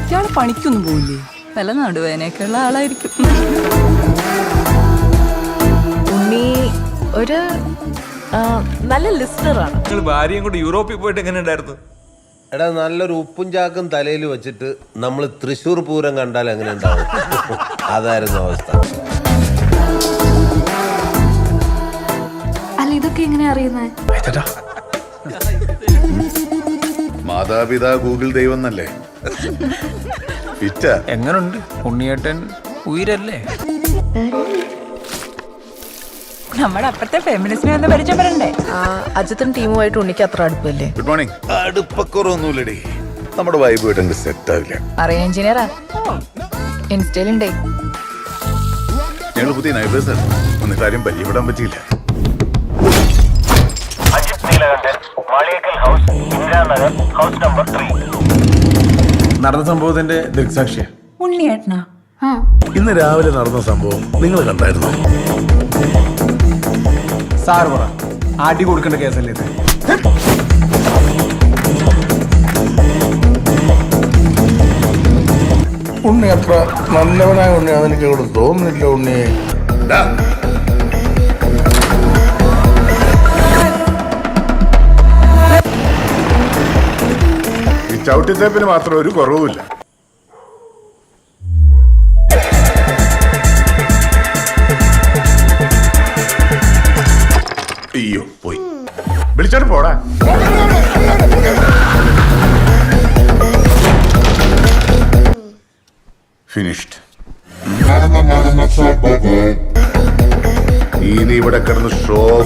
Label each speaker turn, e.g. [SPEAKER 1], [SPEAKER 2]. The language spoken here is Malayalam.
[SPEAKER 1] ഇയാള് പണിക്കൊന്നും പോയില്ലേ?
[SPEAKER 2] വല്ല നടുവേനൊക്കെയുള്ള ആളായിരിക്കും.
[SPEAKER 3] ഉണ്ണി ഒരു നല്ല ലിസ്റ്ററാണ്.
[SPEAKER 4] നിങ്ങൾ ഭാര്യയും കൂടി യൂറോപ്പിൽ പോയിട്ട് എങ്ങനെ ഉണ്ടായിരുന്നു?
[SPEAKER 5] എടാ, നല്ലൊരു ഉപ്പും ചാക്കും തലയിൽ വെച്ചിട്ട് നമ്മൾ തൃശ്ശൂർ പൂരം കണ്ടാൽ എങ്ങനെ ഉണ്ടാവും? അതായിരുന്നു അവസ്ഥ.
[SPEAKER 3] അല്ല, ഇതൊക്കെ എങ്ങനെ അറിയുന്നത്?
[SPEAKER 6] മാതാപിതാ ഗൂഗിൾ ദൈവം എന്നല്ലേ?
[SPEAKER 4] എങ്ങനുണ്ട് ഉണ്ണിയേട്ടൻ? ഉയരല്ലേ?
[SPEAKER 2] നമ്മുടെ അപ്പുറത്തെ ഫെമിനിസ്റ്റിനെ ഒന്ന് പരിചയപ്പെടണ്ടേ?
[SPEAKER 3] അജിത്തും ടീമുമായിട്ട് ഉണ്ണിക്ക് അത്ര അടുപ്പല്ലേ?
[SPEAKER 6] Good morning. അടുപ്പക്കുറവൊന്നുമില്ലടി, നമ്മുടെ വൈബുമായിട്ട് അങ്ങ് സെറ്റ് ആവില്ല.
[SPEAKER 3] അറിയാം, എഞ്ചിനീയറാ, ഇൻസ്റ്റയിലുണ്ടേ.
[SPEAKER 6] ഞങ്ങൾ പുതിയ നൈബേഴ്സാണ്, എന്നിട്ട് ആരും പരിചയപ്പെടാൻ പറ്റിയില്ല.
[SPEAKER 7] നടന്ന സംഭവത്തിന്റെ ദൃക്സാക്ഷിയ
[SPEAKER 2] ഉണ്ണിയേട്ടനാ?
[SPEAKER 6] ഇന്ന് രാവിലെ നടന്ന സംഭവം നിങ്ങൾ കണ്ടായിരുന്നോ?
[SPEAKER 7] സാറ് പറ, അടി കൊടുക്കേണ്ട കേസല്ലേ ഇത്?
[SPEAKER 8] ഉണ്ണി അത്ര നല്ലവനായ ഉണ്ണിയാണെന്ന് എനിക്ക് ഇവിടെ തോന്നുന്നില്ല. ഉണ്ണി
[SPEAKER 6] ഈ ചവിട്ടിത്തേപ്പിന് മാത്രം ഒരു കുറവുമില്ല. അയ്യോ, പോയി. വിളിച്ചോട്ട് പോടാ. ഫിനിഷ്ഡ്. ഇനി ഇവിടെ കിടന്ന് ഷോ